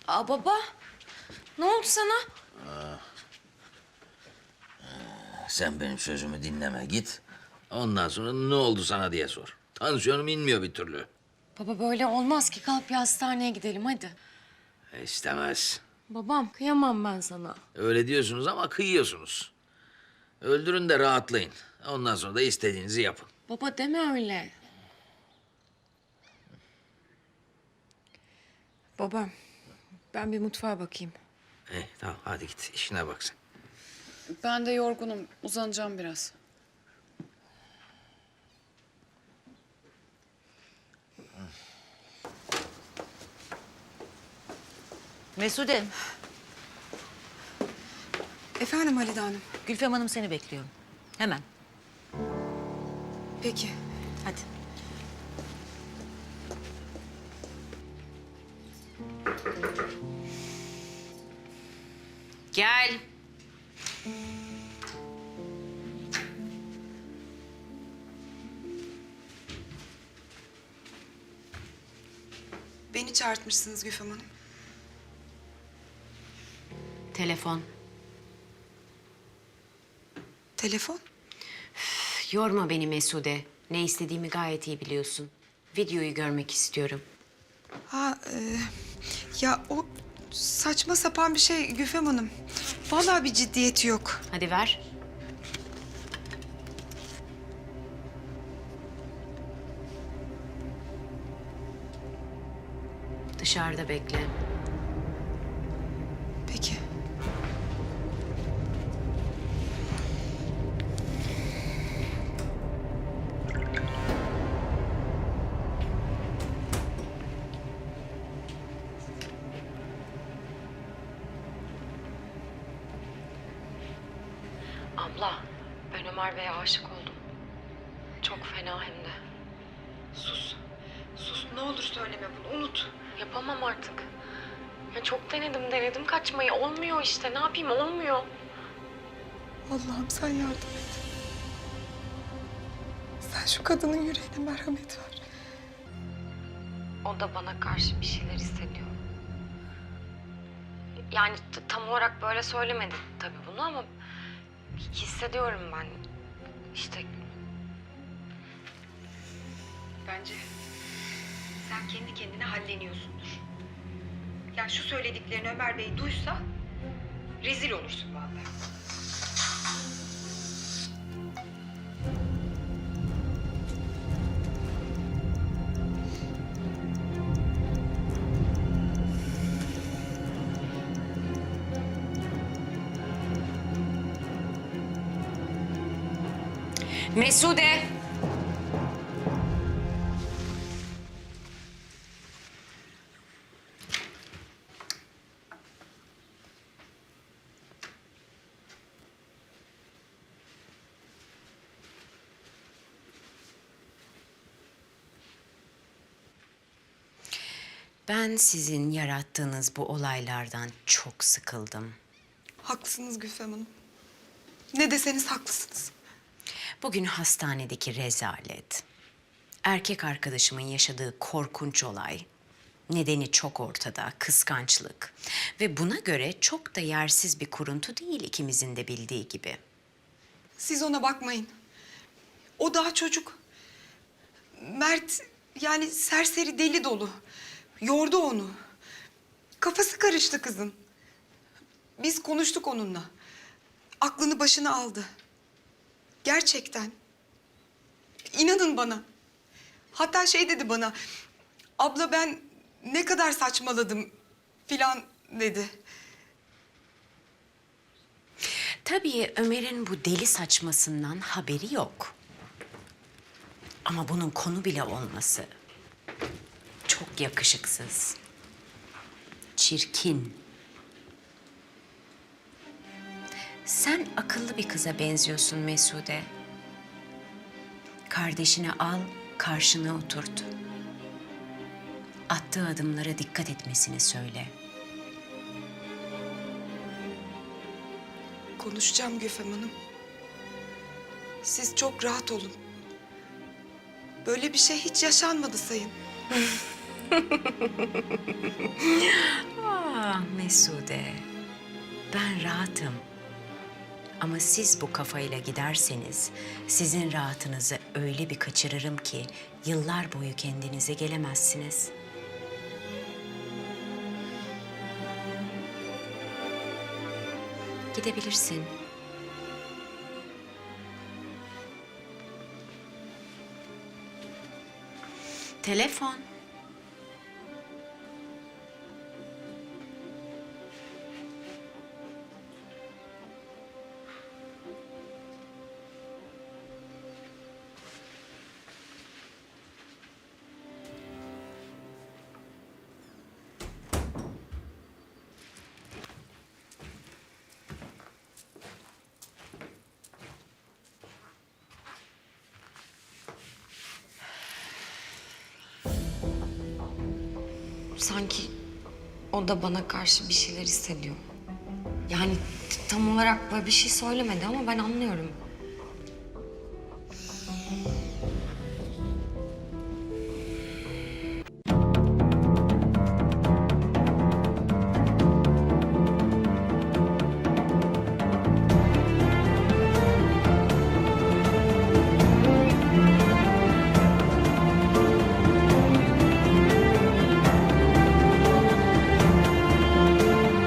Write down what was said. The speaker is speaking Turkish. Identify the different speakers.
Speaker 1: Baba, ne oldu sana?
Speaker 2: Sen benim sözümü dinleme git. Ondan sonra ne oldu sana diye sor. Tansiyonum inmiyor bir türlü.
Speaker 1: Baba böyle olmaz ki. Kalk bir hastaneye gidelim hadi.
Speaker 2: İstemez.
Speaker 1: Babam, kıyamam ben sana.
Speaker 2: Öyle diyorsunuz ama kıyıyorsunuz. Öldürün de rahatlayın. Ondan sonra da istediğinizi yapın.
Speaker 1: Baba deme öyle. Baba, ben bir mutfağa bakayım.
Speaker 2: Tamam hadi git işine bak sen.
Speaker 3: Ben de yorgunum. Uzanacağım biraz.
Speaker 4: Mesude,
Speaker 5: Efendim Halide Hanım.
Speaker 4: Gülfem Hanım seni bekliyor. Hemen,
Speaker 5: Peki.
Speaker 4: hadi. Gel.
Speaker 5: Beni çağırtmışsınız Gülfem Hanım.
Speaker 4: Telefon.
Speaker 5: Telefon?
Speaker 6: Yorma beni Mesude. Ne istediğimi gayet iyi biliyorsun. Videoyu görmek istiyorum.
Speaker 5: Ya o saçma sapan bir şey Gülfem Hanım. Vallahi bir ciddiyeti yok.
Speaker 6: Hadi ver. Dışarıda bekle.
Speaker 5: Peki.
Speaker 1: Abla, ben Ömer Bey'e aşık oldum. Çok fena hem de.
Speaker 5: Sus. Sus ne olur söyleme bunu unut.
Speaker 1: Yapamam artık. Ya çok denedim kaçmayı. Olmuyor işte. Ne yapayım olmuyor.
Speaker 5: Allah'ım sen yardım et. Sen şu kadının yüreğine merhamet ver.
Speaker 1: O da bana karşı bir şeyler hissediyor. Yani tam olarak böyle söylemedi tabii bunu ama hissediyorum ben. İşte
Speaker 7: Bence sen kendi kendine halleniyorsundur. Yani şu söylediklerini Ömer Bey duysa rezil olursun vallahi.
Speaker 6: Mesude! Ben sizin yarattığınız bu olaylardan çok sıkıldım.
Speaker 5: Haklısınız Gülfem Hanım. Ne deseniz haklısınız.
Speaker 6: Bugün hastanedeki rezalet, erkek arkadaşımın yaşadığı korkunç olay, nedeni çok ortada, kıskançlık. Ve buna göre çok da yersiz bir kuruntu değil ikimizin de bildiği gibi.
Speaker 5: Siz ona bakmayın. O daha çocuk. Mert yani serseri deli dolu. Yordu onu. Kafası karıştı kızın. Biz konuştuk onunla. Aklını başına aldı. Gerçekten. İnanın bana. Hatta şey dedi bana. Abla ben ne kadar saçmaladım filan dedi.
Speaker 6: Tabii Ömer'in bu deli saçmasından haberi yok. Ama bunun konu bile olması çok yakışıksız. Çirkin. Sen akıllı bir kıza benziyorsun Mesude. Kardeşini al, karşına oturt. Attığı adımlara dikkat etmesini söyle.
Speaker 5: Konuşacağım Gülfem Hanım. Siz çok rahat olun. Böyle bir şey hiç yaşanmadı sayın.
Speaker 6: Ah Mesude, ben rahatım. Ama siz bu kafayla giderseniz sizin rahatınızı öyle bir kaçırırım ki yıllar boyu kendinize gelemezsiniz. Gidebilirsin. Telefon.
Speaker 1: Sanki o da bana karşı bir şeyler hissediyor. Yani tam olarak böyle bir şey söylemedi ama ben anlıyorum.